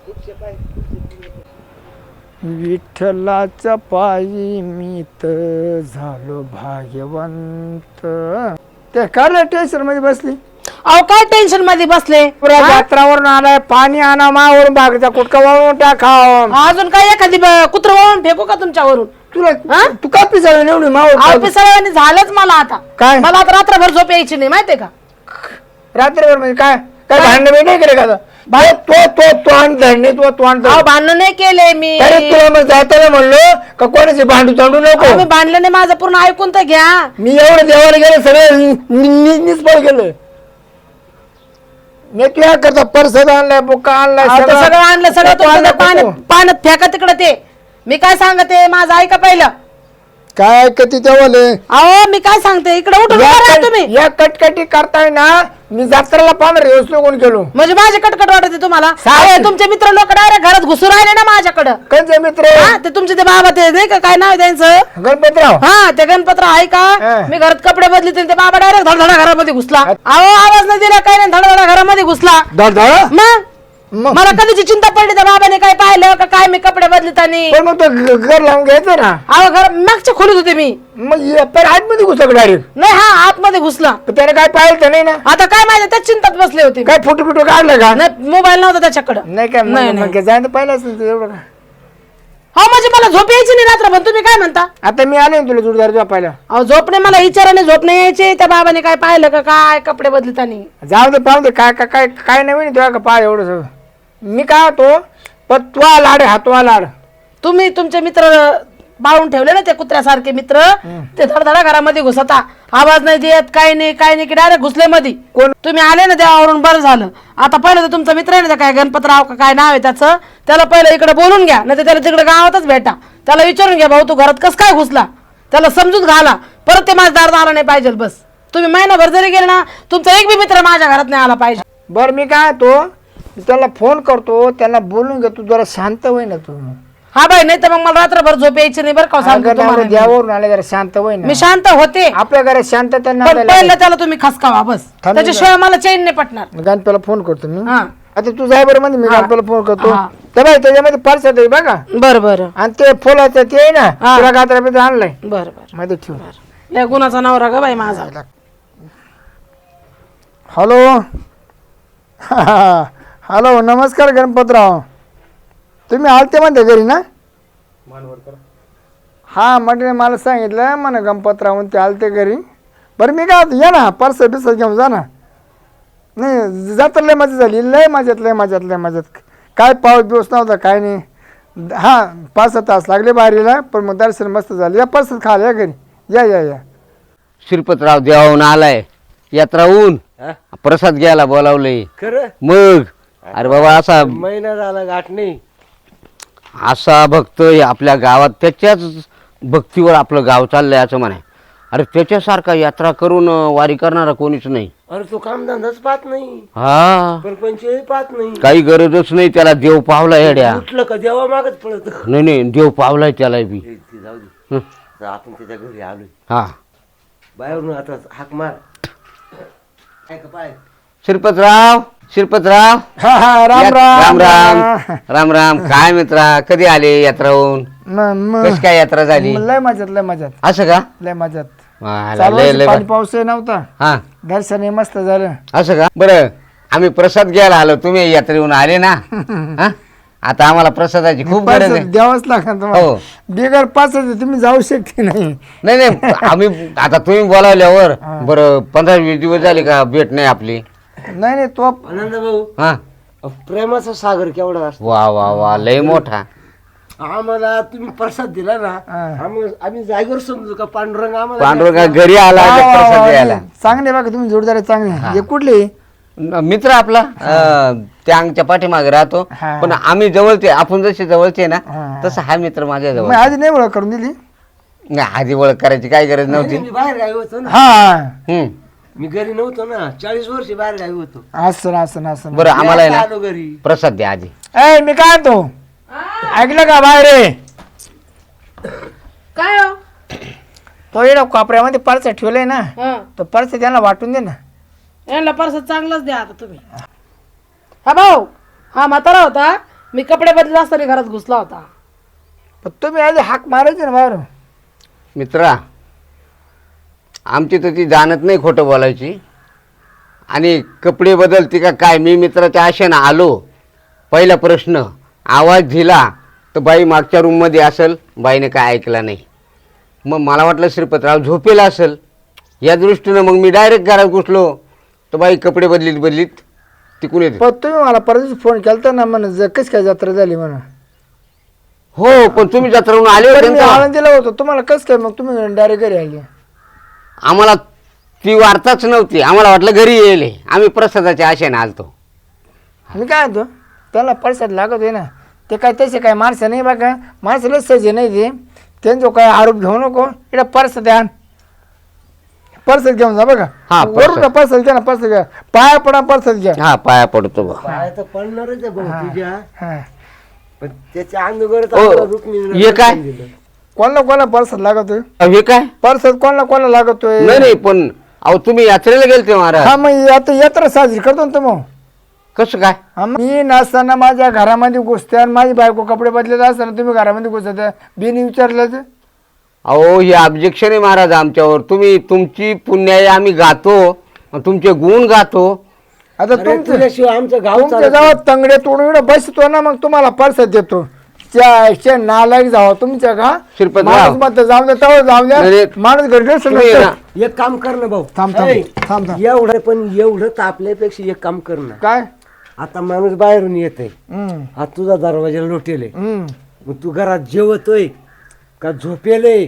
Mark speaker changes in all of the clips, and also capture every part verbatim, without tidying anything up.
Speaker 1: विठ्ठलाच्या पायी मी तर झालो भाग्यवंत. ते काय टेन्शन मध्ये बसली?
Speaker 2: अहो काय टेन्शन मध्ये बसले?
Speaker 1: यात्रावरून आलाय, पाणी आणा मावरून, बागचा कुटका वाळून टाका.
Speaker 2: अजून काय एखादी कुत्र वाळून फेकू का तुमच्यावरून?
Speaker 1: तुला तू काय पिसाळ निवडी मावळ
Speaker 2: पिसाळ्याने झालंच मला आता.
Speaker 1: काय
Speaker 2: मला आता रात्रभर झोप यायची नाही माहितीये का?
Speaker 1: रात्रभर म्हणजे काय काय भांडण नाही केले का? तो तो तो आणतो तो तो आणतो.
Speaker 2: भांडण नाही केले मी.
Speaker 1: तुला मग जाताना म्हणलो का कोणाचे भांडू चांडू नको.
Speaker 2: मी भांडलं नाही, माझं पूर्ण ऐकून तर घ्या.
Speaker 1: मी एवढं देवाला गेलं सगळं निष्फळ केलं. मी तुला करता परसद आणलाय, बुक्का आणलाय,
Speaker 2: सगळं आणलं. सगळं तुमचं पाण्यात पाण्यात फेका तिकडं. ते मी काय सांगते, माझं ऐका पहिलं.
Speaker 1: काय कधी तेवले?
Speaker 2: अहो मी काय सांगते, इकडे उठून तुम्ही.
Speaker 1: या कटकटी करताय ना, मी जत्राला पाहणार व्यवस्थित कोण केलो
Speaker 2: म्हणजे माझे कटकट वाटते तुम्हाला? तुमचे मित्र लोक डायरेक्ट घरात घुसून राहिले ना माझ्याकडं.
Speaker 1: कोणते मित्र?
Speaker 2: ते तुमचे ते बाबा ते नाही का, काय नाव त्यांचं?
Speaker 1: गणपतराव.
Speaker 2: हा ते गणपतराव आहे का? मी घरात कपडे बदली ते बाबा डायरेक्ट धडधडा घरामध्ये घुसला. अहो आवाज नाही दिला, काय नाही, धडधडा घरामध्ये घुसला. मग मला कधीची चिंता पडली त्या बाबाने काय पाहिलं का काय मी कपडे बदलताना.
Speaker 1: मग तो घर लावून घ्यायचं ना.
Speaker 2: अहो घर मागच्या खोलीत होते मी.
Speaker 1: मग आतमध्ये घुसला डायरेक्ट?
Speaker 2: नाही, हा आतमध्ये घुसला.
Speaker 1: त्याने काय पाहिलं तर नाही ना?
Speaker 2: आता काय माहिती, त्याच चिंतात बसले होते.
Speaker 1: काय फोटो बिटो काढलं का?
Speaker 2: नाही, मोबाईल नव्हता त्याच्याकडे.
Speaker 1: नाही काय जायचं पाहिलं असेल एवढं का?
Speaker 2: हो म्हणजे मला झोप यायची नाही रात्र. पण तुम्ही काय म्हणता?
Speaker 1: आता मी आले तुला जोडदार झोपायला.
Speaker 2: अहो झोपणे मला विचाराने झोप नाही यायची. त्या बाबाने काय पाहिलं का काय कपडे बदलताना?
Speaker 1: जाऊ दे पाहू दे, काय काय काय नवीन तुला का पाय एवढं सगळं. मी काय होतो पण तुला लाड हा तुला लाड.
Speaker 2: तुम्ही तुमचे मित्र बाळून ठेवले ना ते कुत्र्यासारखे मित्र, ते धडधडा घरामध्ये घुसता, आवाज नाही देत, काही नाही काही नाही, की डायरेक्ट घुसले मध्ये. कोण तुम्ही आले ना देवावरून, बरं झालं. आता पहिलं तर तुमचा मित्र आहे ना काय गणपतराव का काय नाव आहे त्याचं, त्याला पहिलं इकडे बोलून घ्या, नाही तर त्याला तिकडे गावातच भेटा. त्याला विचारून घ्या, भाऊ तू घरात कस काय घुसला, त्याला समजून घाला. परत ते माझ्या दारात आला नाही पाहिजे. बस तुम्ही महिनाभर जरी गेले ना, तुमचा एक बी मित्र माझ्या घरात नाही आला पाहिजे.
Speaker 1: बरं मी काय तो त्याला फोन करतो, त्याला बोलून घे, तू जरा शांत होई ना तू.
Speaker 2: हा बाई, नाही तर मग मला रात्रभर झोप यायची नाही बरं का.
Speaker 1: देवावरून आले जरा शांत होई ना.
Speaker 2: मी शांत होते,
Speaker 1: आपल्या घरात शांतता नाही.
Speaker 2: पहिलं त्याला तुम्ही खसकावा बस, त्याच्याशिवाय मला चैन नाही पटणार.
Speaker 1: गणपतीला फोन करतो मी.
Speaker 2: हा
Speaker 1: आता तू जाय बरं मध्ये, मी गणपतीला फोन करतो. तर बाई त्याच्यामध्ये पर्स आहे बघा.
Speaker 2: बरं बरं.
Speaker 1: आणि ते फुलाचं ते आहे ना, तुला गात्रामध्ये आणलंय.
Speaker 2: बरं बरं
Speaker 1: मध्ये ठेव.
Speaker 2: लय गुणाचा नवरा ग बाई माझा.
Speaker 1: हॅलो हॅलो नमस्कार गणपतराव, तुम्ही आलते म्हणते घरी ना? हा म्हटलं मला सांगितलं म्हणा गणपतराव ते आलते घरी. बरं मी काय या ना, पर्स बिस घेऊन जा ना. नाही जात लय मजा झाली, लय मजात लय मजात लय मजात. काय पाऊस बिवस नव्हता काय नाही. हा पाच सहा तास लागले बाहेरीला, पण मग दर्शन मस्त झालं. या पर्स खाल या घरी, या या या.
Speaker 3: श्रीपतराव देवाहून आलाय, यात्राहून प्रसाद घ्यायला बोलावलंय.
Speaker 4: खरं
Speaker 3: मग अरे बाबा असा
Speaker 4: महिना झाला गाठ नाही.
Speaker 3: असा भक्त आपल्या गावात, त्याच्याच भक्तीवर आपलं गाव चाललंय असं म्हणाय. अरे त्याच्यासारखा यात्रा करून वारी करणारा कोणीच नाही.
Speaker 4: अरे तो कामधंदाच पाहत नाही,
Speaker 3: हा
Speaker 4: परपंचही पाहत नाही,
Speaker 3: काही गरजच नाही त्याला. देव पावला येड्या.
Speaker 4: उठलं का देवा मागच पळत.
Speaker 3: नाही नाही देव पावलाय त्याला बी.
Speaker 4: जाऊ दे, तर आपण त्याच्या घरी आलोय.
Speaker 3: हा
Speaker 4: बाहेरून आता हाक मार. काय का पाय
Speaker 3: श्रीपतराव श्रीपतराव
Speaker 1: हा हा राम
Speaker 3: राम
Speaker 1: राम
Speaker 3: राम राम राम. काय मित्रा, कधी आले यात्राहून? कशी काय यात्रा झाली?
Speaker 1: लय मजात लय मजात
Speaker 3: असं का?
Speaker 1: लय मजात.
Speaker 3: वाला, लय
Speaker 1: चालू
Speaker 3: लय
Speaker 1: पाणी पाऊस नव्हता,
Speaker 3: हा
Speaker 1: दर्शन मस्त झालं.
Speaker 3: असं का? बरं आम्ही प्रसाद घ्यायला आलो, तुम्ही यात्रेहून आले ना. हा आता आम्हाला प्रसादाची खूप गरज आहे.
Speaker 1: द्यावंच लागणार तुम्हाला.
Speaker 3: हो.
Speaker 1: बिगर पाच तुम्ही जाऊ शकते नाही.
Speaker 3: नाही नाही आम्ही आता तुम्ही बोलावल्यावर बरं पंधरा वीस दिवस झाले का भेट नाही आपली.
Speaker 1: नाही नाही तो
Speaker 4: आनंद भाऊ,
Speaker 3: हा
Speaker 4: प्रेमाचा सागर केवढा असतो.
Speaker 3: वा वा वा लय मोठा.
Speaker 4: आम्हाला तुम्ही प्रसाद दिला ना, आम्ही आम्ही जागेवर समजू का पांडुरंग आम्हाला
Speaker 3: पांडुरंगा घरी आला प्रसाद द्यायला.
Speaker 1: चांगले बघा तुम्ही जोडदार चांगले. हे कुठले
Speaker 3: मित्र आपला अं, त्या अंगच्या पाठीमागे राहतो, पण आम्ही जवळचे, आपण जसे जवळचे ना तसं हा मित्र माझ्या जवळ.
Speaker 1: आधी नाही ओळख करून दिली?
Speaker 3: नाही आधी ओळख करायची काय गरज नव्हती.
Speaker 4: मी बाहेर गावी होतो ना.
Speaker 1: हा
Speaker 3: हम्म
Speaker 4: मी घरी नव्हतो ना, चाळीस वर्ष बाहेर गावी होतो.
Speaker 1: असं असं असं.
Speaker 3: बरं आम्हाला आहे
Speaker 4: आलो
Speaker 3: ना
Speaker 4: घरी.
Speaker 3: प्रसाद द्या आधी.
Speaker 1: ए मी काय तो ऐकलं का बाहेर रे?
Speaker 2: काय हो?
Speaker 1: तो येणं कोपऱ्यामध्ये पर्स ठेवलंय ना, तो पर्स त्यांना वाटून दे ना.
Speaker 2: यांना परसाद चांगलाच द्या आता तुम्ही. हा भाऊ, हा म्हातारा होता, मी कपडे बदलत असताना घरात घुसला होता.
Speaker 1: पण तुम्ही आधी हाक मारायचे ना बाहेर.
Speaker 3: मित्रा, आमची तर ती जाणत नाही खोटं बोलायची. आणि कपडे बदलते का काय? मी मित्राच्या आशेनं आलो. पहिला प्रश्न, आवाज दिला तर बाई मागच्या रूममध्ये असेल, बाईने काय ऐकला नाही. मग मला वाटलं श्रीपतराव झोपेला असेल, या दृष्टीनं मग मी डायरेक्ट घरात घुसलो. तर बाई कपडे बदलीत बदलीत तिकून येते.
Speaker 1: पण तुम्ही मला परत फोन केला ना म्हण कशी काय जत्रा झाली म्हणून.
Speaker 3: हो, पण तुम्ही जत्रावरून आले होते
Speaker 1: मी
Speaker 3: ना.
Speaker 1: आळंदीला होतो, तुम्हाला कसं काय मग तुम्ही डायरेक्ट घरी आले.
Speaker 3: आम्हाला ती वार्ताच नव्हती, आम्हाला वाटलं घरी येईल. आम्ही प्रसादाच्या आशेने आलतो.
Speaker 1: मी काय म्हणतो, त्याला परसाद लागत आहे ना, ते काय तसे काय माणसं नाही बघा, माणसाला सजे नाही ते त्यांचा काय आरोप घेऊ नको. इकडे परसाद आण, परसाद घेऊन जा बघा.
Speaker 3: हा,
Speaker 1: वरून परसाद घ्या ना, परसाद घ्या, पाया पडा परसाद घ्या.
Speaker 3: हा, पाया पडतो बा.
Speaker 4: पाय तर पडणारच आहे भाऊ तुझ्या,
Speaker 1: हा.
Speaker 4: पण त्याच्या अंगोगरच
Speaker 3: ओ,
Speaker 4: आपलं रुक्मिणीनं
Speaker 3: हे काय?
Speaker 4: दर्शन दिलं.
Speaker 1: कोणाला कोणाला परसाद लागतोय,
Speaker 3: अहो, हे काय?
Speaker 1: परसाद कोणाला कोणाला लागतोय.
Speaker 3: नाही नाही, पण अहो तुम्ही यात्रेला गेलते महाराज.
Speaker 1: हा मग आता यात्रा साजरी करतो ना मग.
Speaker 3: कसं काय?
Speaker 1: हा, मग मी नसताना माझ्या घरामध्ये घुसते आणि माझी बायको कपडे बदलत असताना तुम्ही घरामध्ये घुसत बिन विचारलं तर.
Speaker 3: अहो, हे ऑब्जेक्शन आहे महाराज आमच्यावर. तुम्ही तुमची पुण्याई आम्ही गातो, तुमचे गुण गातो.
Speaker 1: आता
Speaker 4: अरे
Speaker 1: तुमचं
Speaker 4: तुझ्याशिवाय आमचं गाव
Speaker 1: तुमच्या
Speaker 4: चालत
Speaker 1: गावात तंगडे तोडून इकडे बसतो ना, मग तुम्हाला परसाद देतो. त्या नालायक जावा तुमच्या का
Speaker 3: शिरपतराव.
Speaker 1: माणूस म्हणतं जाऊ द्या तेव्हा जाऊ द्या,
Speaker 3: नाही,
Speaker 1: माणूस घरी
Speaker 3: तुम्ही
Speaker 1: नसेल
Speaker 3: ना-
Speaker 1: तर.
Speaker 4: एक काम कर ना भाऊ.
Speaker 1: थांब, थांब,
Speaker 4: ऐ,
Speaker 1: थांब, थांब.
Speaker 4: एवढं पण एवढं तापल्यापेक्षा एक काम कर ना.
Speaker 1: काय
Speaker 4: आता माणूस बाहेरून येतोय,
Speaker 1: हम्म,
Speaker 4: हा तुझा दरवाजा लोटेल आहे.
Speaker 1: हम्म.
Speaker 4: मग तू घरात जेवतोय का झोपेले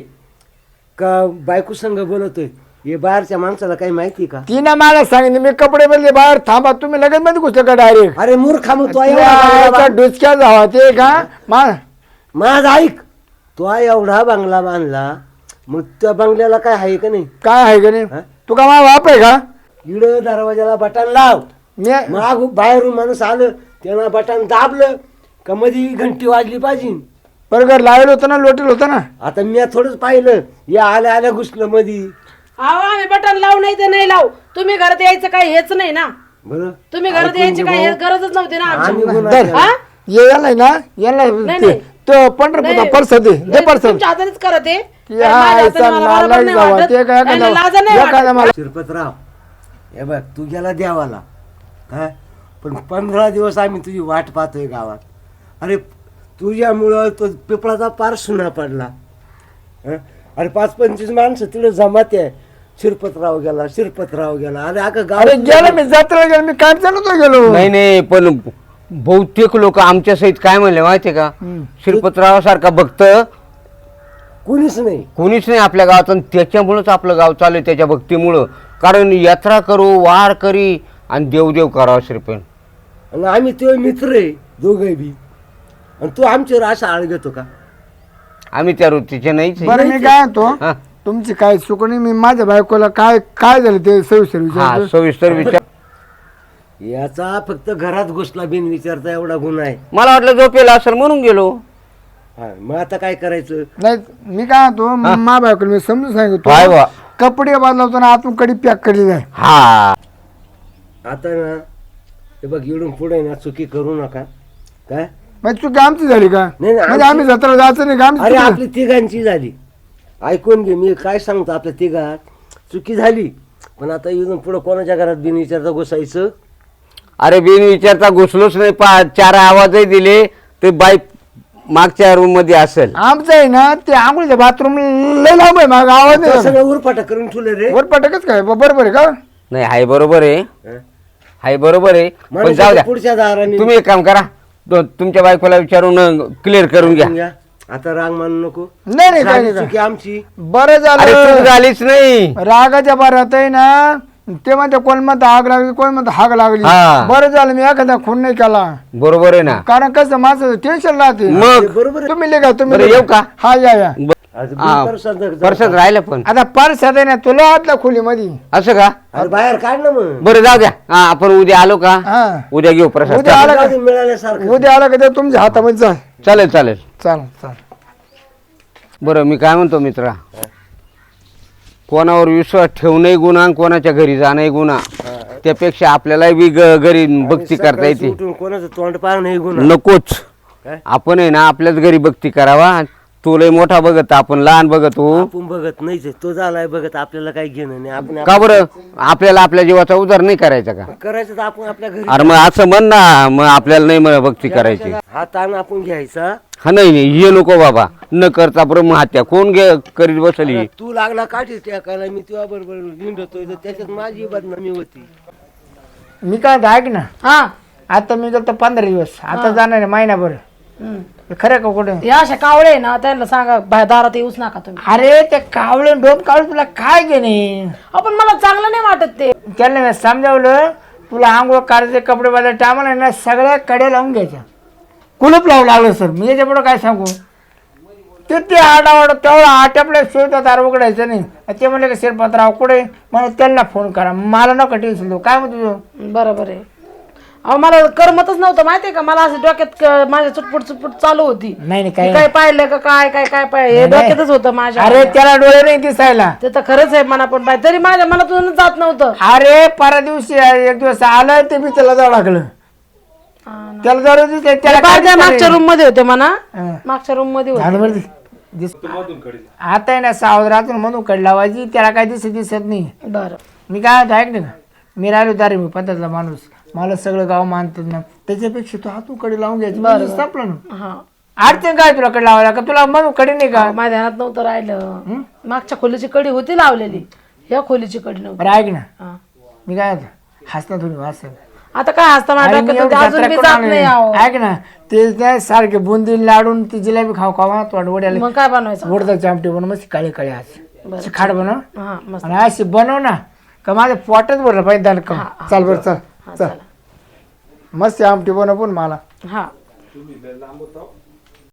Speaker 4: का बायको संग बोलतोय, हे बाहेरच्या माणसाला काही माहिती का?
Speaker 1: तिनं मला सांगितलं मी कपडे बदले बाहेर, थांबा तुम्ही लगेच मध्ये घुसले का डायरेक्ट.
Speaker 4: अरे मूर्खा, मग तो एवढा बंगला
Speaker 1: डुचक्या जावा ते का मा
Speaker 4: माझ ऐक, तो एवढा बंगला बांधला, मग त्या बंगल्याला काय आहे का नाही?
Speaker 1: काय आहे का नाही.
Speaker 4: हा?
Speaker 1: तू का माझा बाप आहे का.
Speaker 4: इड दरवाजाला बटन लाव,
Speaker 1: मी
Speaker 4: मग बाहेरून माणूस आलं त्यानं बटन दाबलं का मध्ये घंटी वाजली पाहिजे.
Speaker 1: बरोबर लावेल होतं ना, लोटेल होतं ना.
Speaker 4: आता मी थोडंच पाहिलं, या आल्या आल्या घुसलं मधी.
Speaker 2: अहो आम्ही बटन लावू नाही ते नाही लावू, तुम्ही घरात यायचं काही हेच नाही ना.
Speaker 4: बरं
Speaker 2: तुम्ही घरात
Speaker 4: ऐकून
Speaker 2: यायची
Speaker 4: घे
Speaker 2: काही
Speaker 4: भाऊ.
Speaker 2: गरजच नव्हती ना आमची.
Speaker 4: आम्ही गुन्हा
Speaker 1: धर.
Speaker 4: केला.
Speaker 2: हा?
Speaker 1: ये याला ना याला
Speaker 2: नाही,
Speaker 1: ते-
Speaker 2: नाही.
Speaker 1: तो पंढरपूरचा
Speaker 2: नाही.
Speaker 1: परसाद दे दे
Speaker 2: नाही,
Speaker 1: परसाद.
Speaker 2: तुमच्या हातानेच करत आहे.
Speaker 1: या,
Speaker 2: माझ्या
Speaker 1: याचा
Speaker 2: हाताने मला बरोबर
Speaker 1: नालायक
Speaker 2: नाही
Speaker 1: जावा,
Speaker 2: वाटत.
Speaker 1: ते काय
Speaker 2: नाही,
Speaker 1: एखादा-
Speaker 2: नाही, लाजा नाही
Speaker 1: एखादा
Speaker 2: वाटत.
Speaker 1: मला
Speaker 4: शिरपतराव, हे बघ तू गेला देवाला, हा, पण पंधरा दिवस आम्ही तुझी वाट पाहतोय गावात. अरे तुझ्यामुळं तो पिपळाचा पार सुना पडला. हं? अरे पाच पंचवीस माणसं तिकडे जमाते आहे, शिरपतराव गेला, शिरपतराव गेला. अरे अगं गाव
Speaker 1: अरे गेलो मी जत्रेला गेलो, मी काय नव्हतो गेलो.
Speaker 3: नाही नाही, पण बहुतेक लोक आमच्या सहित काय म्हणले माहितीये का, श्रीपतराव सारखा भक्त
Speaker 4: कुणीच नाही.
Speaker 3: कोणीच नाही आपल्या गावात. आणि त्याच्यामुळंच आपलं गाव चालू आहे, त्याच्या भक्तीमुळं. कारण यात्रा करू, वार करी आणि देवदेव करावं श्रीपण.
Speaker 4: आणि आम्ही ते मित्र आहे दोघे बी, आणि तू आमच्यावर असा आळ घेतो का?
Speaker 3: आम्ही त्या वृत्तीचे नाहीच आहे.
Speaker 1: बरं मी काय म्हणतो,
Speaker 3: हा.
Speaker 1: तुमची काय चूक नाही. मी माझ्या बायकोला काय काय झालं ते सविस्तर
Speaker 3: हा,
Speaker 1: विचारतो.
Speaker 3: सविस्तर विचार.
Speaker 4: याचा फक्त घरात घुसला बिन विचारता एवढा गुन्हा आहे.
Speaker 3: मला वाटलं झोपेला असेल म्हणून गेलो.
Speaker 4: हा, मग आता काय करायचं?
Speaker 1: नाही मी काय म्हणतो, मा बायकोला मी समजून
Speaker 3: काय
Speaker 1: सांगितलं
Speaker 3: बा?
Speaker 1: कपडे बदलवतो ना आतून कडी पॅक केली जाय.
Speaker 3: हा,
Speaker 4: आता ना हे बघ, इकडून पुढे ना चुकी करू नका. काय
Speaker 1: मग चुकी आमची झाली का.
Speaker 4: नाही, नाही,
Speaker 1: म्हणजे आम्ही जत्रा जायचं नाही का आमची
Speaker 4: अरे
Speaker 1: चुकी
Speaker 4: आपली तिघांची झाली. ऐकून घे, मी काय सांगतो, आपल्या तिघात चुकी झाली, पण आता इथून पुढे कोणाच्या घरात बिन विचारता घुसायचं.
Speaker 3: अरे बिन विचारता घुसलोच नाही. पा चार आवाजही दिले ते बाई मागच्या रूम मध्ये असेल.
Speaker 1: आमचं आहे ना ते आंघोळीच्या बाथरूम लय लांब आहे, मग आवाज
Speaker 4: तो
Speaker 1: नाही
Speaker 4: सगळं उरपाटा करून ठेवलं रे.
Speaker 1: वर पटकच काय बरोबर आहे का.
Speaker 3: नाही, हाय बरोबर आहे,
Speaker 4: हं?
Speaker 3: हाय बरोबर आहे. पण
Speaker 4: माणूस
Speaker 3: जाऊ द्या,
Speaker 4: पुढच्या दाराने
Speaker 3: तुम्ही एक काम करा, तो तुमच्या बायकोला विचारून क्लिअर करून घ्या.
Speaker 4: घ्या. आता राग मानू नको.
Speaker 1: नाही नाही काय
Speaker 4: झाली
Speaker 1: नाही
Speaker 4: चुकी आमची.
Speaker 1: बरं
Speaker 3: अरे चूक
Speaker 1: झालं.
Speaker 3: झालीच नाही.
Speaker 1: रागाच्या भरात आहे ना ते म्हणते कोण म्हणतं आग लागली, कोण म्हणतं हाग लागली.
Speaker 3: हा.
Speaker 1: बरं झालं मी एखादा खून नाही केला.
Speaker 3: बरोबर आहे ना.
Speaker 1: कारण कसं माझं टेन्शन राहते.
Speaker 3: मग
Speaker 4: ते बरोबर आहे.
Speaker 1: तुम्ही लिहा तुम्ही
Speaker 3: बरं,
Speaker 1: लिहा.
Speaker 3: येऊ का?
Speaker 1: हा या या.
Speaker 3: ब-
Speaker 4: आज
Speaker 3: हा,
Speaker 4: बिनपरसाद जर-
Speaker 3: परसाद राहिलं पण
Speaker 1: आता परसाद आहे ना तुला आतल्या खोलीमध्ये.
Speaker 3: असं का.
Speaker 4: अरे बाहेर काढ ना मग.
Speaker 3: बरं जाऊ द्या. हा, आपण उद्या आलो का,
Speaker 1: हा
Speaker 3: उद्या घेऊ प्रसाद.
Speaker 1: उद्या आला का
Speaker 4: जाऊ दे, मिळाल्यासारखं.
Speaker 1: उद्या आला का ते तुमच्या हातामध्ये जा.
Speaker 3: चालेल चालेल.
Speaker 1: चालेल चालेल.
Speaker 3: बरं मी काय म्हणतो मित्रा, कोणावर विश्वास ठेवणंही गुन्हा आणि कोणाच्या घरी जाणंही गुन्हा. त्यापेक्षा आपल्याला बी ग- घरी भक्ती करता
Speaker 4: सकाळी
Speaker 3: येते.
Speaker 4: उठून कोणाचं तोंड पाहणं हे गुन्हा.
Speaker 3: नकोच.
Speaker 4: काय?
Speaker 3: आपण आहे ना आपल्याच घरी भक्ती करावा. तो लय मोठा बघत आपण लहान बघत हो.
Speaker 4: आपण बघत नाहीच आहे. तो झालाय बघत, आपल्याला काही घेणं नाही. आपण
Speaker 3: का बरं आपल्याला आपल्या जीवाचा उद्धार नाही करायचा का?
Speaker 4: करायचं तर आपण आपल्या घरी.
Speaker 3: अरे मग असं म्हण ना, मग आपल्याला नाही म्हणा भक्ती करायची.
Speaker 4: हा ताण आपण घ्यायचा.
Speaker 3: हा नाही नाही हे नको बाबा, न करता ब्रह्महत्या कोण घे करीत बसली.
Speaker 4: तू लागला काठी टाकायला, मी तुझ्या बरोबर निंडतोय, तर त्याच्यात माझी बदनामी होती.
Speaker 1: मी काय म्हणतो, ऐक ना,
Speaker 2: हा
Speaker 1: आता मी गेलो पंधरा दिवस, आता जाणार आहे महिनाभर.
Speaker 2: हम्म.
Speaker 1: हे खरं का कुठे?
Speaker 2: या अशा कावळे आहे ना, त्यांना सांगा बाहेर दारात येऊच नका तुम्ही.
Speaker 1: अरे ते कावळे डोम कावळे तुला काय घेणे?
Speaker 2: आपण मला चांगलं नाही वाटत ते.
Speaker 1: त्याला मी समजावलं, तुला आंघोळ करायचे कपडे बदल टामाला ना सगळ्या कडे लावून घ्यायच्या. कुलूप लावू लागलं सर, मी याच्या पुढं काय सांगू? ते ते आडावाड तेवढा आटपल्या शिवता दार उघडायचं नाही. ते म्हणले का शिरपतराव कुठे? मला त्यांना फोन करा, मला नका टेन्शन देऊ. काय म्हणतो तुझं?
Speaker 2: बरोबर आहे. अहो मला करमतच नव्हतं माहितीये का, मला असं डोक्यात क- माझ्या चुटपुट चुटपुट चालू होती.
Speaker 1: नाही नाही
Speaker 2: मी
Speaker 1: काय
Speaker 2: काय पाहिलं का काय काय काय पाहिलं हे
Speaker 1: नाही.
Speaker 2: डोक्यातच होतं माझ्या.
Speaker 1: अरे त्याला डोळे नाही दिसायला.
Speaker 2: ते तर खरंच आहे, मना पण पाहिजे तरी माझ्या मनातून जात नव्हतं.
Speaker 1: अरे परा दिवशी एक दिवस आलं ते मी त्याला जाऊ लागलं. त्याला जाऊ दिसलं त्याला काय
Speaker 2: पाहिजे मागच्या
Speaker 1: दिसलं?
Speaker 2: रूम मध्ये होते म्हणा,
Speaker 1: हं.
Speaker 2: मागच्या रूम मध्ये होते.
Speaker 1: झालं बरं ते. दिस- आता आहे ना सावधानातून म्हणून कड लावायची, त्याला काय दिसत दिसत नाही.
Speaker 2: बरं
Speaker 1: मी काय म्हणतो, ऐक ना, मी राहिलो दारे मी पद्धतला माणूस, मला सगळं गाव मानतात ना, त्याच्यापेक्षा तू हातू कडे लावून घ्यायची. बरं संपलं ना.
Speaker 2: हा
Speaker 1: अडचण काय तुला कडे लावायला? का तुला म्हणून कडे नाही का?
Speaker 2: माझ्या ध्यानात नव्हतं राहिलं. मागच्या खोलीची कडी होती लावलेली, ह्या खोलीची कडी नव्हती.
Speaker 1: बरं ऐक ना,
Speaker 2: हा.
Speaker 1: मी काय म्हणतो, हसना थोडी वाचत.
Speaker 2: आता काय हसता माझ्या डोक्यात होते, अजून मी जात नाही आहो.
Speaker 1: ऐक ना, ते काय सारखे बुंदी लाडून ती जिलेबी खाऊ खावा तोड वड्याला
Speaker 2: मग काय बनवायचं?
Speaker 1: उडदाची आमटी बनव, मस्त काळे काळे आज खाड बनव
Speaker 2: हा मस्त.
Speaker 1: आणि अशी बनव ना का माझं पोटच भरलं पाहिजे दाल का. चाल बरं चल चल, मस्त आमटी बनव पण मला.
Speaker 2: हा